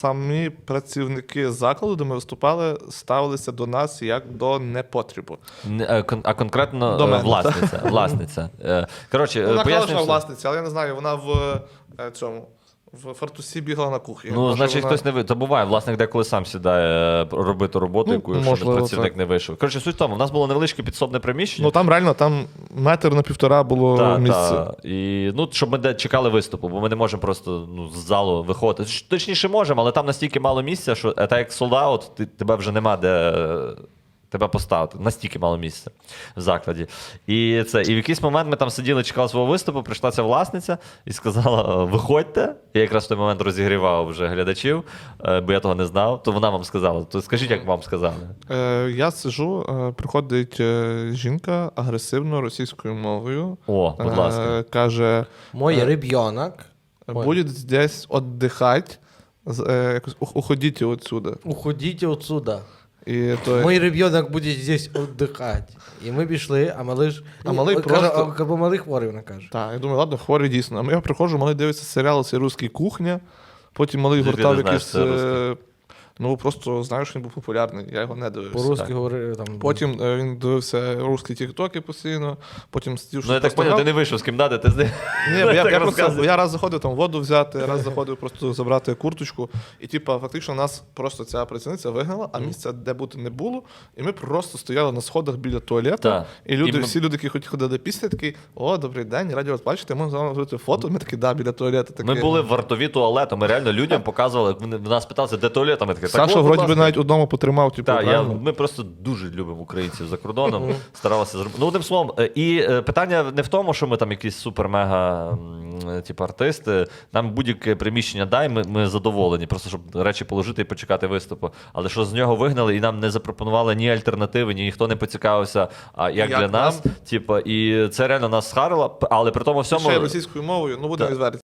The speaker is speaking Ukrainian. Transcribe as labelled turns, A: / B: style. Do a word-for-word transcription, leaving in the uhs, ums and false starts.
A: Самі працівники закладу, де ми виступали, ставилися до нас як до непотрібу.
B: Не, е, кон- А конкретно
A: До
B: е,
A: мене,
B: власниця. власниця. Е, Коротше,
A: Вона казала,
B: пояснюю
A: що вона
B: все.
A: власниця, але я не знаю, вона в е, цьому. В фартусі бігала на кухні.
B: Ну,
A: Може,
B: значить,
A: вона...
B: хтось не ви. Та буває, власник деколи сам сідає е, робити роботу,
A: Ну,
B: яку якщо
A: можливо,
B: працівник
A: так.
B: не вийшов. Коротше, суть в тому, в нас було невеличке підсобне приміщення.
A: Ну там реально там метр на півтора було
B: Та,
A: місце.
B: та. І, ну, щоб ми де чекали виступу, бо ми не можемо просто ну, з залу виходити. Ш- Точніше, можемо, але там настільки мало місця, що е, так як солдаут, ти, тебе вже нема де е, тебе поставити. Настільки мало місця в закладі. І, це, і в якийсь момент ми там сиділи, чекали свого виступу, прийшла ця власниця і сказала: виходьте. Я якраз в той момент розігрівав вже глядачів, е, бо я того не знав. То вона вам сказала. То скажіть, як вам сказали.
A: Е, я сижу, е, приходить е, жінка агресивно російською мовою.
B: О, будь ласка.
A: Е, каже,
C: Мой
A: Е,
C: ребенок.
A: будет здесь отдыхать, з- е, якось «Ух- уходите отсюда.
C: Уходіть отсюда.
A: І то,
C: Мой ребенок буде здесь отдыхать. І ми пішли, а малий ж.
A: А малий
C: О, каже,
A: просто-
C: а, бо малий хворий, вона каже.
A: так, я думаю, ладно, хворий дійсно. А я приходжу, малий дивиться серіал «Цей русський кухня», потім малий
B: Звідки
A: гортав
B: ти знаєш,
A: якийсь...
B: це
A: е,
B: русський?
A: Ну, просто знаю, що він був популярний, я його не дивився.
C: По-русски говорив там.
A: Потім е, він дивився русські тіктоки постійно, потім сидів,
B: Ну, я так поняв, ти не вийшов з кімнати, ти з ним.
A: Ні, бо я,
B: так
A: я, просто,
B: розказуєш.
A: я раз заходив там воду взяти, раз заходив просто забрати курточку. І типа, фактично, нас просто ця працівниця вигнала, а місця, де бути не було. І ми просто стояли на сходах біля туалету.
B: Так.
A: І люди,
B: І ми-
A: всі люди, які хоч ходили після, такі: о, добрий день, раді вас бачити, можна з вами зробити фото. Ми такі, да, біля туалету. Такі.
B: Ми були в вартові туалету, ми реально людям показували, вони в нас питалися, де туалет, а ми такі, так,
A: Саша,
B: от, будь
A: вроді би,
B: ласка.
A: навіть одному потримав, типу,
B: Так, я,
A: правильно?
B: ми просто дуже любимо українців за кордоном, старалися зробити. Ну, одним словом, е, і е, питання не в тому, що ми там якісь супер-мега м, типу, артисти. Нам будь-яке приміщення дай, ми, ми задоволені, просто щоб речі положити і почекати виступу. Але що з нього вигнали, і нам не запропонували ні альтернативи, ні ніхто не поцікавився, а як,
A: Як
B: для
A: нам?
B: нас. Типу, і це реально нас схарило, але при тому
A: Ще й
B: всьому.
A: російською мовою, ну будемо
B: Так.
A: відверті.